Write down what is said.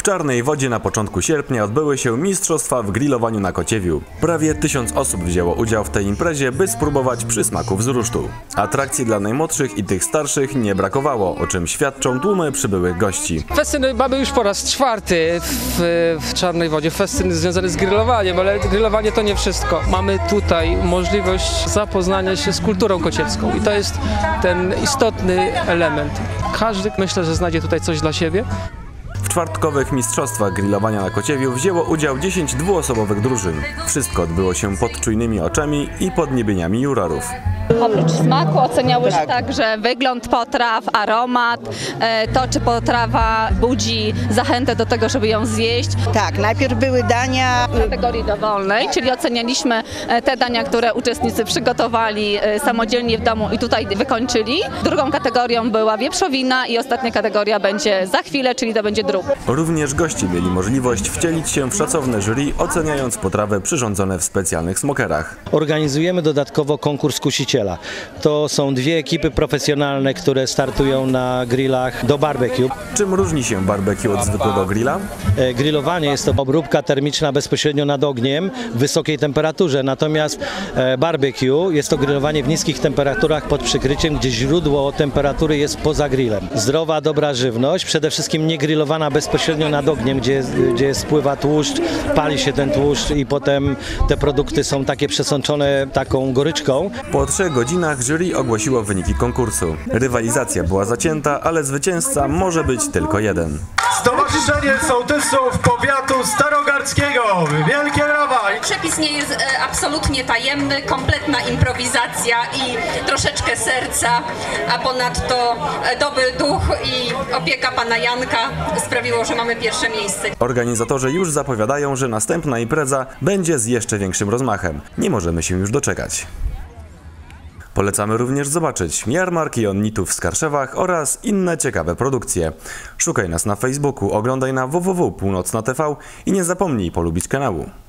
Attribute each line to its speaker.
Speaker 1: Czarnej Wodzie na początku sierpnia odbyły się mistrzostwa w grillowaniu na Kociewiu. Prawie 1000 osób wzięło udział w tej imprezie, by spróbować przysmaków z rusztu. Atrakcji dla najmłodszych i tych starszych nie brakowało, o czym świadczą tłumy przybyłych gości.
Speaker 2: Festyny mamy już po raz czwarty w Czarnej Wodzie, festyny związane z grillowaniem, ale grillowanie to nie wszystko. Mamy tutaj możliwość zapoznania się z kulturą kociewską i to jest ten istotny element. Każdy, myślę, że znajdzie tutaj coś dla siebie.
Speaker 1: W czwartkowych mistrzostwach grillowania na Kociewiu wzięło udział 10 dwuosobowych drużyn. Wszystko odbyło się pod czujnymi oczami i podniebieniami jurorów.
Speaker 3: Oprócz smaku oceniałyśmy także wygląd potraw, aromat, to czy potrawa budzi zachętę do tego, żeby ją zjeść.
Speaker 4: Tak, najpierw były dania
Speaker 3: W kategorii dowolnej, czyli ocenialiśmy te dania, które uczestnicy przygotowali samodzielnie w domu i tutaj wykończyli. Drugą kategorią była wieprzowina i ostatnia kategoria będzie za chwilę, czyli to będzie drób.
Speaker 1: Również goście mieli możliwość wcielić się w szacowne jury, oceniając potrawy przyrządzone w specjalnych smokerach.
Speaker 5: Organizujemy dodatkowo konkurs kusiciela. To są dwie ekipy profesjonalne, które startują na grillach do barbecue.
Speaker 1: Czym różni się barbecue od zwykłego grilla?
Speaker 5: Grillowanie jest to obróbka termiczna bezpośrednio nad ogniem w wysokiej temperaturze, natomiast barbecue jest to grillowanie w niskich temperaturach pod przykryciem, gdzie źródło temperatury jest poza grillem. Zdrowa, dobra żywność, przede wszystkim nie grillowana bezpośrednio nad ogniem, gdzie spływa tłuszcz, pali się ten tłuszcz i potem te produkty są takie przesączone taką goryczką.
Speaker 1: Po 3 godzinach jury ogłosiło wyniki konkursu. Rywalizacja była zacięta, ale zwycięzca może być tylko jeden.
Speaker 6: Stowarzyszenie Sołtysów Powiatu Starogardzkiego. Wielkie brawa!
Speaker 7: Przepis nie jest absolutnie tajemny, kompletna improwizacja i troszeczkę serca, a ponadto dobry duch i opieka pana Janka sprawiło, że mamy pierwsze miejsce.
Speaker 1: Organizatorzy już zapowiadają, że następna impreza będzie z jeszcze większym rozmachem. Nie możemy się już doczekać. Polecamy również zobaczyć jarmarki onnitów w Skarszewach oraz inne ciekawe produkcje. Szukaj nas na Facebooku, oglądaj na www.północna.tv i nie zapomnij polubić kanału.